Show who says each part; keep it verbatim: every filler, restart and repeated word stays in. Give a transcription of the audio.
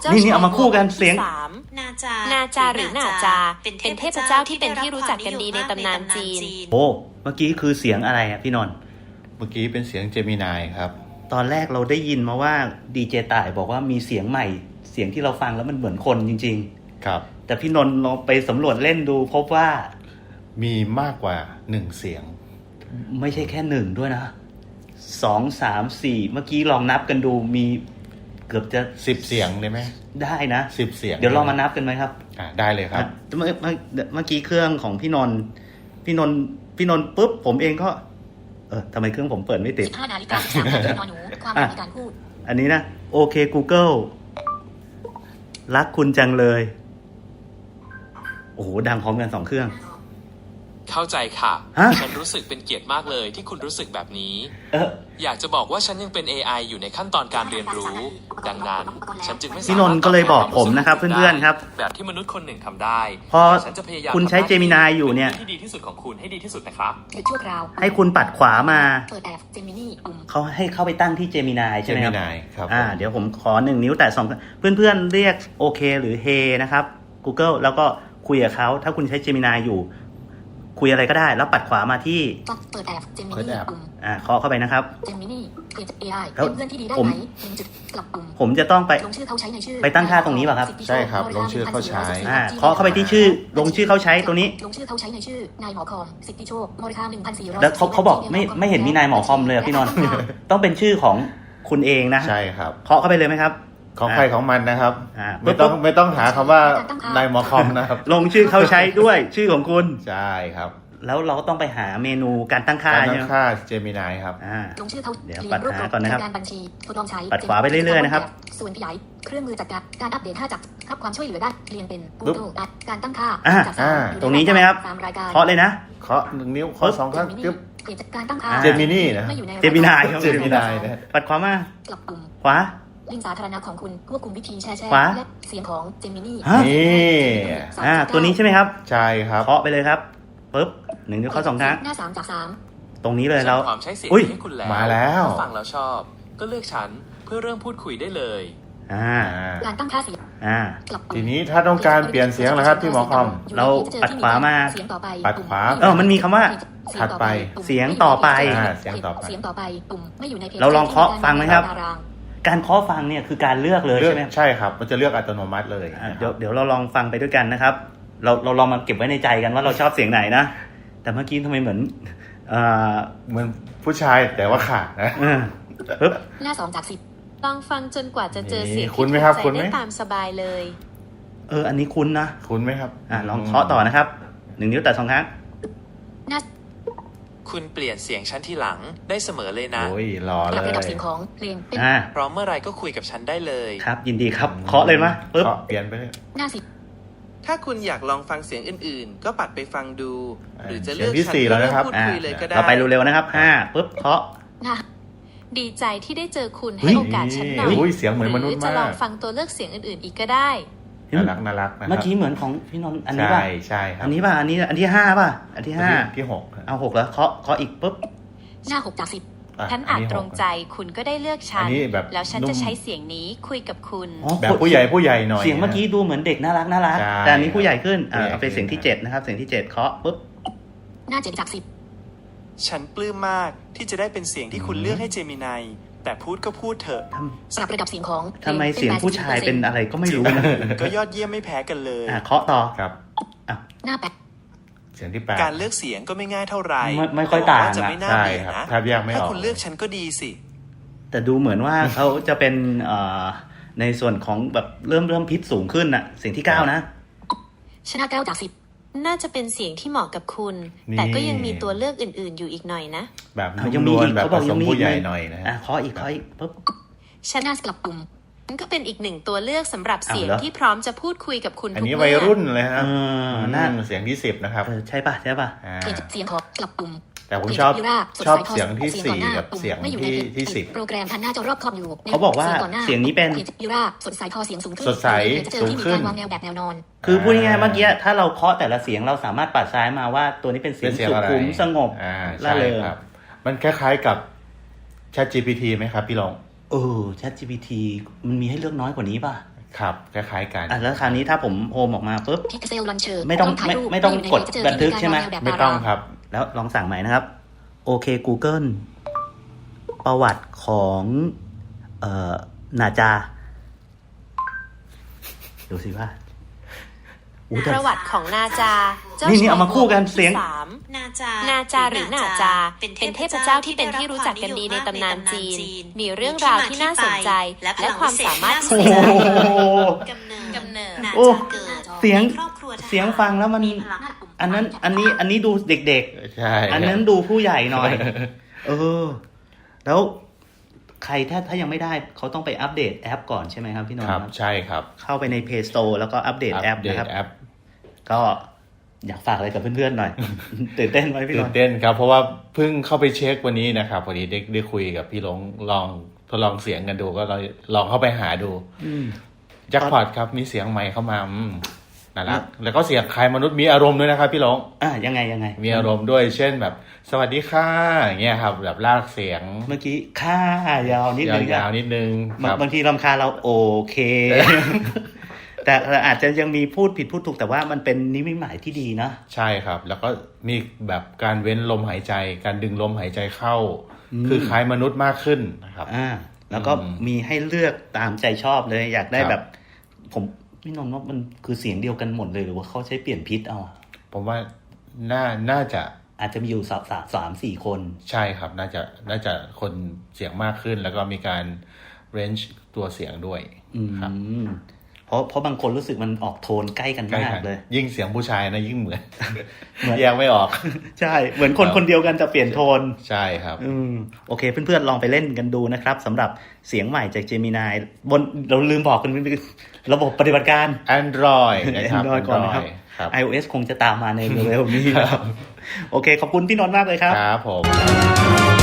Speaker 1: นี่นี่เอามาคู่กันเสียง
Speaker 2: นาจานาจาหรือนาจาเป็นเทพเจ้าที่เป็นที่รู้จักกันดีในตำนานจีน
Speaker 1: โอ้เมื่อกี้คือเสียงอะไรอ่ะพี่นนท์
Speaker 3: เมื่อกี้เป็นเสียงเจมินายครับ
Speaker 1: ตอนแรกเราได้ยินมาว่าดีเจต่ายบอกว่ามีเสียงใหม่เสียงที่เราฟังแล้วมันเหมือนคนจริง
Speaker 3: ๆครับ
Speaker 1: แต่พี่นนท์ลองไปสำรวจเล่นดูพบว่า
Speaker 3: มีมากกว่าหนึ่งเสียง
Speaker 1: ไม่ใช่แค่หนึ่งด้วยนะสองสามสี่เมื่อกี้ลองนับกันดูมีเกือบจะ
Speaker 3: สิบเสียงเลยไหม
Speaker 1: ได้นะ
Speaker 3: สิบเสียง
Speaker 1: เดี๋ยวลองมานับกันไหมครับ
Speaker 3: อ่าได้เลยครับ
Speaker 1: เมื่อเมื่อเมื่อกี้เครื่องของพี่นนท์พี่นนท์พี่นนท์ปุ๊บผมเองก็เออทำไมเครื่องผมเปิดไม่ติด
Speaker 2: สิบห้านาฬิกาสามนาทีนอนหนูความในการพูด
Speaker 1: อันนี้นะโอเค Google รักคุณจังเลยโอ้โหดังพร้อมกันสองเครื่อง
Speaker 4: เข้าใจค่ะฉันรู้สึกเป็นเกียรติมากเลยที่คุณรู้สึกแบบนี้เอออยากจะบอกว่าฉันยังเป็น เอ ไอ อยู่ในขั้นตอนการเรียนรู้ดังนั้นฉันจึงไม่สามารถ
Speaker 1: พี่นนท์ก็เลยบอกผมนะครับเพื่อนๆครับ
Speaker 4: แบบที่มนุษย์คนหนึ่งทำได้
Speaker 1: พอคุณใช้เจมินายอยู่เนี่ย
Speaker 4: ที่ดีที่สุดของคุณให้ดีที่สุดนะครับ
Speaker 2: ชั่วคราว
Speaker 1: ให้คุณปัดขวามา
Speaker 2: เปิดแอปเจมินี่
Speaker 1: เขาให้เข้าไปตั้งที่เจมินายใช่ไหม
Speaker 3: ครับ
Speaker 1: อ่าเดี๋ยวผมขอหนึ่งนิ้วแตะสองเพื่อนๆเรียกโอเคหรือเฮนะครับ Google แล้วก็คุยกับเขาถ้าคุณใช้เจมินายอยู่คุยอะไรก็ได้แล้วปัดขวามาที่
Speaker 2: เปิดแอปเจมินี่
Speaker 1: อ่าเคาะเข้าไปนะครับ
Speaker 2: เจมินี่เป็น เอ ไอ เป็นเพื่อนที่ดีได้ไหมจุดกลับปุ่ม
Speaker 1: ผมจะต้องไป
Speaker 2: ลงชื่อเขาใช้ในชื่อ
Speaker 1: ไปตั้งค่าตรงนี้ป่ะครับ
Speaker 3: ใช่ครับลงชื่อเขาใช้
Speaker 1: อ่าเคาะเข้าไปที่ชื่อลงชื่อเขาใช้ตรงนี้
Speaker 2: ลงชื่อเขาใช้ในชื่อนายหมอคอมสิทธิโชคบริการหนึ่งพันสี่ร้อย
Speaker 1: แล้วเขาเขาบอกไม่ไม่เห็นมีนายหมอคอมเลยพี่นนท์ต้องเป็นชื่อของคุณเองนะ
Speaker 3: ใช่ครับ
Speaker 1: เคาะเข้าไปเลยไหมครับ
Speaker 3: ของใครของมันนะครับไม่ต้องไม่ต้องหาคำว่านายหมอคอมนะครับ
Speaker 1: ลงชื่อเขาใช้ด้วยชื่อของคุณ
Speaker 3: ใช่ครับ
Speaker 1: แล้วเราก็ต้องไปหาเมนูการตั้งค่า
Speaker 3: การตั้งค่าเจมินายครับ
Speaker 2: ลงชื่อเขา
Speaker 1: เดี๋ยวปัดหาก่อนนะครับ
Speaker 2: การบัญชีทดลองใช้
Speaker 1: ปัดขวาไปเรื่อยๆนะครับ
Speaker 2: ส่วนขยายเครื่องมือจัดการการอัปเดตห้าจากรับความช่วยเหลือได้เรียนเป็น Google การตั้งค่า
Speaker 1: ตรงนี้ใช่ไหมครับเคาะเลยนะ
Speaker 3: เคาะหนึ่งนิ้วเคาะสองครั้งจึ๊บ
Speaker 2: การตั้งค่า
Speaker 3: เจมินี่นะ
Speaker 1: เจมินาย
Speaker 3: เจมินายนะ
Speaker 1: ปัดขวามาก
Speaker 2: ลับปุ่ม
Speaker 1: ขวา
Speaker 2: ลิงก์สาธารณะของคุณควบคุมวิธีแชร์แชร์และเสียงของเจมินี่
Speaker 3: นี่
Speaker 1: อ่าตัวนี้ใช่ไหมครับ
Speaker 3: ใช่ครับ
Speaker 1: เคาะไปเลยครับปึ๊บหนึ่งนิ้วเคาะสองครั้ง
Speaker 2: หน้าสามจากสาม
Speaker 1: ตรงนี้เลยเรา
Speaker 4: ความใช้เสียงให้คุณแล้ว
Speaker 3: มาแล้ว
Speaker 4: ฟังแล้วชอบก็เลือกฉันเพื่อเริ่มพูดคุยได้เลย
Speaker 1: อ่า
Speaker 2: การตั้งค่าเสียง
Speaker 1: อ่า
Speaker 3: ทีนี้ถ้าต้องการเปลี่ยนเสียงนะครับที่หมอคอม
Speaker 1: เราปัดขวามา
Speaker 3: ปัดขวา
Speaker 1: เออมันมีคำว่า
Speaker 3: ถัดไป
Speaker 1: เสียงต่อไป
Speaker 3: เสียงต่อไป
Speaker 2: เสียงต่อไปปุ่มไม่อยู่ในเพจ
Speaker 1: เราลองเคาะฟังไหมครับการเคาะฟังเนี่ยคือการเลือกเลยใช่ไหม
Speaker 3: ใช่ครับมันจะเลือกอัตโนมัติเลย
Speaker 1: เดี๋ยวเดี๋ยวเราลองฟังไปด้วยกันนะครับเราเราลองมาเก็บไว้ในใจกันว่าเราชอบเสียงไหนนะแต่เมื่อกี้ทำไมเหมือน
Speaker 3: เหมือนผู้ชายแต่ว่าขาดนะ
Speaker 1: ปึ๊บ
Speaker 2: หน้าสองจากสิบ
Speaker 5: ลองฟังจนกว่าจะเจอเสียงที่
Speaker 3: ถูกใจ
Speaker 5: ได้ตามสบายเลย
Speaker 1: เอออันนี้คุ้นนะ
Speaker 3: คุ้นไหมครับ
Speaker 1: อ่าลองเคาะต่อนะครับหนึ่งนิ้วแต่สองครั้ง
Speaker 4: คุณเปลี่ยนเสียงฉันทีหลังได้เสมอเลยนะ
Speaker 3: โอ้ยรอเลย
Speaker 2: ระดับเสียงของเพลงเป็น
Speaker 4: พร้อมเมื่อไรก็คุยกับฉันได้เลย
Speaker 1: ครับยินดีครับเคาะเลยมั้ยปึ๊บ
Speaker 3: เปลี่ยนไปเลย
Speaker 2: หน้าสิบ
Speaker 4: ถ้าคุณอยากลองฟังเสียงอื่นๆก็ปัดไปฟังดูหรือจะเลือก
Speaker 3: ฉันเพื่อ
Speaker 4: พูดคุยเลยก็ได้
Speaker 1: เราไปเร็วๆนะครับห้าปึ๊บเคาะ
Speaker 5: ดีใจที่ได้เจอคุณให้โอกาสฉันหน่อย
Speaker 3: เสียงเหมือนมนุษย์มาก
Speaker 5: จะลองฟังตัวเลือกเสียงอื่นๆอีกก็ได้
Speaker 3: น่ารักน่ารัก
Speaker 1: เมื่อกี้เหมือนของพี่นนท์อันนี้ป่ะ
Speaker 3: ใช่ใช่ครับ
Speaker 1: อันนี้ป่ะอันนี้อันที่ห้าป่ะอันที่ห้า
Speaker 3: ที่หก
Speaker 1: เอาหกแล้วเคาะเคาะอีกปุ๊บ
Speaker 2: หน้าหกจากสิบ
Speaker 5: ฉันอาจตรงใจคุณก็ได้เลือกฉันแล้วฉันจะใช้เสียงนี้คุยกับคุณ
Speaker 3: แบบผู้ใหญ่ผู้ใหญ่หน่อย
Speaker 1: เสียงเมื่อกี้ดูเหมือนเด็กน่ารักน่ารักแต่อันนี้ผู้ใหญ่ขึ้นอ่าเอาเป็นเสียงที่เจ็ดนะครับเสียงที่เจ็ดเคาะปุ๊บ
Speaker 2: หน้าเจ็ดจากสิบ
Speaker 4: ฉันปลื้มมากที่จะได้เป็นเสียงที่คุณเลือกให้เจมินายแต่พูดก็พูดเถอะ
Speaker 2: สำหรับระดับเสียงของ
Speaker 1: ทำไมเสียงผู้ชายเป็นอะไรก็ไม่รู้นะ
Speaker 4: ก็ยอดเยี่ยมไม่แพ้กันเลย
Speaker 1: อ่าเคาะต่อ
Speaker 3: ครับ
Speaker 2: หน้าแปด
Speaker 3: เสียงที่แปด
Speaker 4: การเลือกเสียงก็ไม่ง่ายเท่าไหร่
Speaker 1: ไม่ค่อยต่าง
Speaker 4: จะไม่น่าเบื่อนะถ้าคุณเลือกฉันก็ดีสิ
Speaker 1: แต่ดูเหมือนว่าเขาจะเป็นในส่วนของแบบเริ่มเริ่มพิษสูงขึ้นน่ะเสียงที่เก้านะ
Speaker 2: ชนะเก้าจากสิบ
Speaker 5: น่าจะเป็นเสียงที่เหมาะกับคุณแต่ก็ยังมีตัวเลือกอื่นๆอยู่อีกหน่อยนะ
Speaker 3: แบบยังมีอีกเขาบอกยังมีผู้ใหญ่หน่อยนะ
Speaker 1: อ่ะเคาะอีกเคาะอีกปุ๊บ
Speaker 2: ชนะกลับปุ่ม
Speaker 5: มันก็เป็นอีกหนึ่งตัวเลือกสำหรับเสียงที่พร้อมจะพูดคุยกับคุณทุกเมื่ออั
Speaker 3: นนี้วัยรุ่นเลยครับนั่นเสียงที่สิบนะครับ
Speaker 1: ใช่ป่ะใช่ป่ะ
Speaker 2: เสียงของกลับปุ่ม
Speaker 3: แต่ผมชอบชอบเสียงที่สี่กับเสียงที่ที่สิบ
Speaker 2: โปรแกรมทันหน้าจอรอบคอมอยู่
Speaker 1: เขาบอกว่าเสียงนี้เป็น
Speaker 2: ยูราสดใสพอเสียงสูงขึ้น
Speaker 3: สดใสสูงขึ้น
Speaker 2: วางแนวแบบแนวนอน
Speaker 1: คือพูดง่ายๆเมื่อกี้ถ้าเราเคาะแต่ละเสียงเราสามารถปัดซ้ายมาว่าตัวนี้เป็นเสียงสุขุมสงบ
Speaker 3: ล่าเริงมันคล้ายๆกับ Chat จี พี ที ไหมครับพี่ลอง
Speaker 1: เออ Chat จี พี ที มันมีให้เลือกน้อยกว่านี้ป่ะ
Speaker 3: ครับคล้ายๆกัน
Speaker 1: อ่ะแล้วคราวนี้ถ้าผมโฮมออกมาปุ๊บ
Speaker 6: Pixel Launcher
Speaker 1: ไม่ต้องไม่ไม่ต้องกดบันทึกใช่ไหม
Speaker 3: ไม่ต้องครับ
Speaker 1: แล้วลองสั่งใหม่นะครับ โอเค Google ประวัติของเอ่อนาจาดูสิว่าอู้แต่
Speaker 2: ประวัติของนาจาเจ้า
Speaker 1: นี่นี่
Speaker 2: ชาย
Speaker 1: เอามาคู่กันเสียง
Speaker 2: ที่สาม
Speaker 5: นาจา
Speaker 2: นาจาหรือนาจา เป็นเทพเจ้าที่เป็นที่รู้จักกันดีในตำนานจีน มีเรื่องราวที่น่าสนใจและความสามารถพิ
Speaker 1: โอ้
Speaker 2: เศ
Speaker 1: โห
Speaker 2: ษ
Speaker 5: กำเนิด
Speaker 2: กำเนิด
Speaker 5: นา
Speaker 1: โอ้
Speaker 5: จาเกิด
Speaker 1: เสียง
Speaker 5: ในครอบครัวทหาร
Speaker 1: เสียงฟังแล้วมัน
Speaker 5: มีพลัง
Speaker 1: อันนั้นอันนี้อันนี้ดูเด็ก
Speaker 3: ใช่
Speaker 1: ๆ อันนั้นดูผู้ใหญ่หน่อย เออ แล้วใครถ้าถ้ายังไม่ได้เขาต้องไปอัปเดตแอปก่อนใช่ไหมครับพี่นนท์
Speaker 3: ครับ
Speaker 1: ครับ
Speaker 3: ใช่ครับ
Speaker 1: เข้าไปใน Play Store แล้วก็อัปเดตแอป
Speaker 3: เดต
Speaker 1: นะครับ
Speaker 3: แอป
Speaker 1: ก็อยากฝากอะไรกับเพื่อนๆหน่อย ตื่นเต้นไหมพี่น
Speaker 3: ตื่
Speaker 1: น
Speaker 3: น
Speaker 1: ท์
Speaker 3: เต้นครับ เพราะว่าเพิ่งเข้าไปเช็ควันนี้นะครับพอดีได้ได้คุยกับพี่หลงลองทดลองเสียงกันดูก็ลองลองเข้าไปหาดู
Speaker 1: อืม
Speaker 3: แจ็คพอตครับมีเสียงใหม่เข้ามาอืมน่ารักแล้วก็เสียงคล้ายมนุษย์มีอารมณ์ด้วยนะครับพี่หลง
Speaker 1: อ่ะยังไงยังไง
Speaker 3: มีอารมณ์ด้วยเช่นแบบ สวัสดีค่ะอย่างเงี้ยครับ แบบลากเสียง
Speaker 1: เมื่อกี้ค่ายาวนิดนึง
Speaker 3: ยาวๆนิดนึง
Speaker 1: บาง
Speaker 3: ครับ
Speaker 1: บางทีรำคาญเราโอเค แต่อาจจะยังมีพูดผิดพูดถูกแต่ว่ามันเป็นนิมิตหมายที่ดีนะ
Speaker 3: ใช่ครับ แล้วก็มีแบบการเว้นลมหายใจ การดึงลมหายใจเข้า
Speaker 1: อืม
Speaker 3: คือคล้ายมนุษย์มากขึ้นนะครับ
Speaker 1: อ่า แล้วก็
Speaker 3: อืม
Speaker 1: มีให้เลือกตามใจชอบเลย อยากได้
Speaker 3: ครับ
Speaker 1: แบบ ผมพี่นนท์ว่ามันคือเสียงเดียวกันหมดเลยหรือว่าเขาใช้เปลี่ยนพิษเอาอะ
Speaker 3: ผมว่าน่าน่าจะ
Speaker 1: อาจจะมีอยู่สามสามสามสี่คน
Speaker 3: ใช่ครับ น่าจะน่าจะคนเสียงมากขึ้น แล้วก็มีการเรนจ์ตัวเสียงด้วย
Speaker 1: อื
Speaker 3: ครับ
Speaker 1: มเพราะเพราะบางคนรู้สึกมันออกโทนใกล้กัน
Speaker 3: ใกล้
Speaker 1: มาก
Speaker 3: กัน
Speaker 1: เลย
Speaker 3: ยิ่งเสียงผู้ชายนะยิ่งเหมือน
Speaker 1: เหมือน
Speaker 3: แยกไม่ออก
Speaker 1: ใช่ เหมือนคน
Speaker 3: ครับ
Speaker 1: คนเดียวกันแต่เปลี่ยนโทน
Speaker 3: ใช่ครับ
Speaker 1: อืมโอเค เพื่อนๆ ลองไปเล่นกันดูนะครับสำหรับเสียงใหม่จาก Gemini บนเราลืมบอกกันระบบปฏิบัติการ
Speaker 3: Android นะครับ
Speaker 1: Android ก่อนนะครับ
Speaker 3: Android ครับ
Speaker 1: iOS คงจะตามมาในเร็วๆนี้นะครับ โอเค ขอบคุณพี่นนท์มากเลยครับ
Speaker 3: ครับผม